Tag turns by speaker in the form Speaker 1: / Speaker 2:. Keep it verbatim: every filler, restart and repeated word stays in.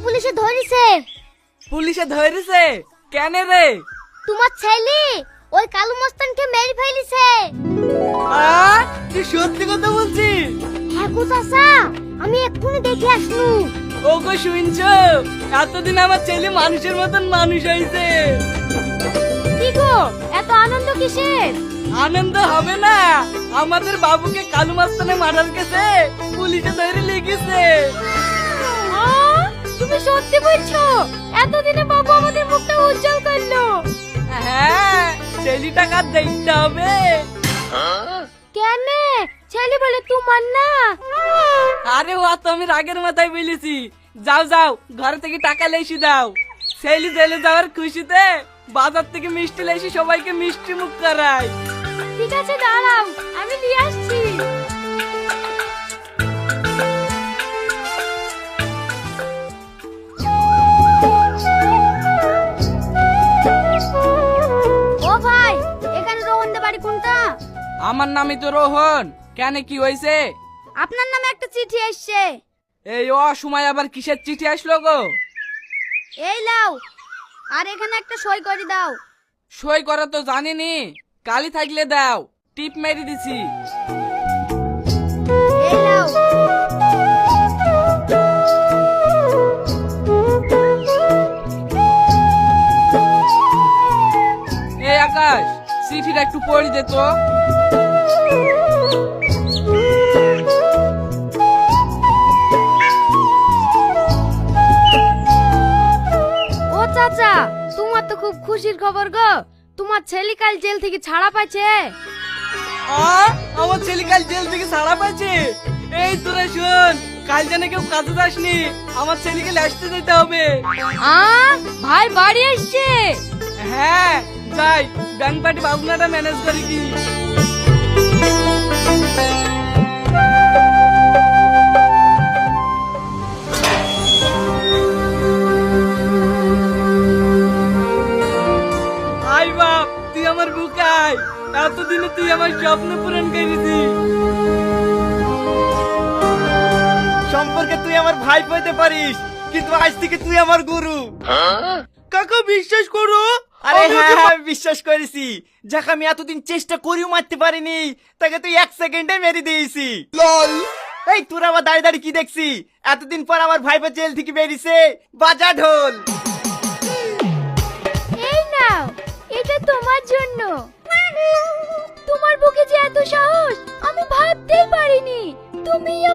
Speaker 1: পুলিশে ধরেছে।
Speaker 2: পুলিশে ধরেছে কেন রে?
Speaker 1: তোমার ছেলে ওই কালু মস্তানকে মেরে ফেলেছে।
Speaker 2: আ তুই সত্যি কথা বলছিস?
Speaker 1: হ্যাঁ গো চাচা, আমি এক্ষুনি দেখে আসলু।
Speaker 2: ওগো শুনছো, এতদিন আমার ছেলে মানুষের মতন মানুষ হয়েছে।
Speaker 1: কি গো এত আনন্দ কিসের?
Speaker 2: আনন্দ হবে না, আমাদের বাবুকে কালু মাস্তানে মারার কেসে পুলিশে ধরে লেগেছে।
Speaker 1: আ, তুমি সত্যি বলছো? এতদিনে বাবু আমাদের মুখটা উজ্জ্বল করলো।
Speaker 2: হ্যাঁ, ছেলেটা কার দেখতে হবে।
Speaker 1: কেন? ছেলে বলে তোমার না?
Speaker 2: আরে ও তো আমি রাগের মাথায় বলেছি। যাও যাও, ঘর থেকে টাকা লেসি দাও। ছেলে জেলে যাওয়ার খুশিতে বাজার থেকে মিষ্টি লেসি সবাইকে মিষ্টি মুখ করাই।
Speaker 1: ঠিক আছে দাঁড়াও, আমি নিয়ে আসছি। ও ভাই, এখানে রোহনদের বাড়ি কোনটা?
Speaker 2: আমার নামই তো রোহন। কেন কি হয়েছে?
Speaker 1: আপনার নামে একটা চিঠি এসছে।
Speaker 2: এই অসময় আবার কিসের চিঠি আসলো গো?
Speaker 1: এই লাও, আর এখানে একটা সই করে দাও।
Speaker 2: সই করা তো জানিনি, কালি থাকলে দাও, টিপ মেরে দিছি।
Speaker 1: এই লাও।
Speaker 2: এই আকাশ, চিঠিটা একটু পড়ে দে তো।
Speaker 1: ও চাচা, তোমার তো খুব খুশির খবর গো। তোমার ছেলে কাল জেল থেকে ছাড়া পাইছে।
Speaker 2: আ, আমার ছেলে কাল জেল থেকে ছাড়া পাইছে। এই তোরা শোন, কাল জানে কেউ কাজে যাসনি, আমার ছেলেকে লাসতে যেতে হবে।
Speaker 1: আ ভাই বাড়ি এসছে।
Speaker 2: হ্যাঁ যাই, ব্যাংক পার্টি ভাবনাটা ম্যানেজ করি কি। আই বাপ, তুই আমার বুকাই, এতদিনে তুই আমার স্বপ্ন পূরণ করেছি।
Speaker 3: সম্পর্কে তুই আমার ভাই পেতে পারিস, কিন্তু আজ থেকে তুই আমার গুরু।
Speaker 2: কাকা বিশ্বাস করো।
Speaker 3: আরে
Speaker 2: আমি
Speaker 3: হ্যাঁ
Speaker 2: ওকে
Speaker 3: হ্যাঁ, আমি বিশ্বাস করেছি। যাকে আমি এতদিন চেষ্টা করিও মারতে পারিনি, তাকে তুই এক সেকেন্ডে মেরে দিয়েছি। এই তোরা আবার দাঁড়িয়ে দাঁড়িয়ে কি দেখছি? এতদিন পর আমার ভাইপো জেল থেকে বেরিয়েছে, বাজা ঢোল।
Speaker 1: এই নাও, এটা তোমার জন্য। তোমার বুকে যে এত সাহস আমি ভাবতেই পারিনি। তুমি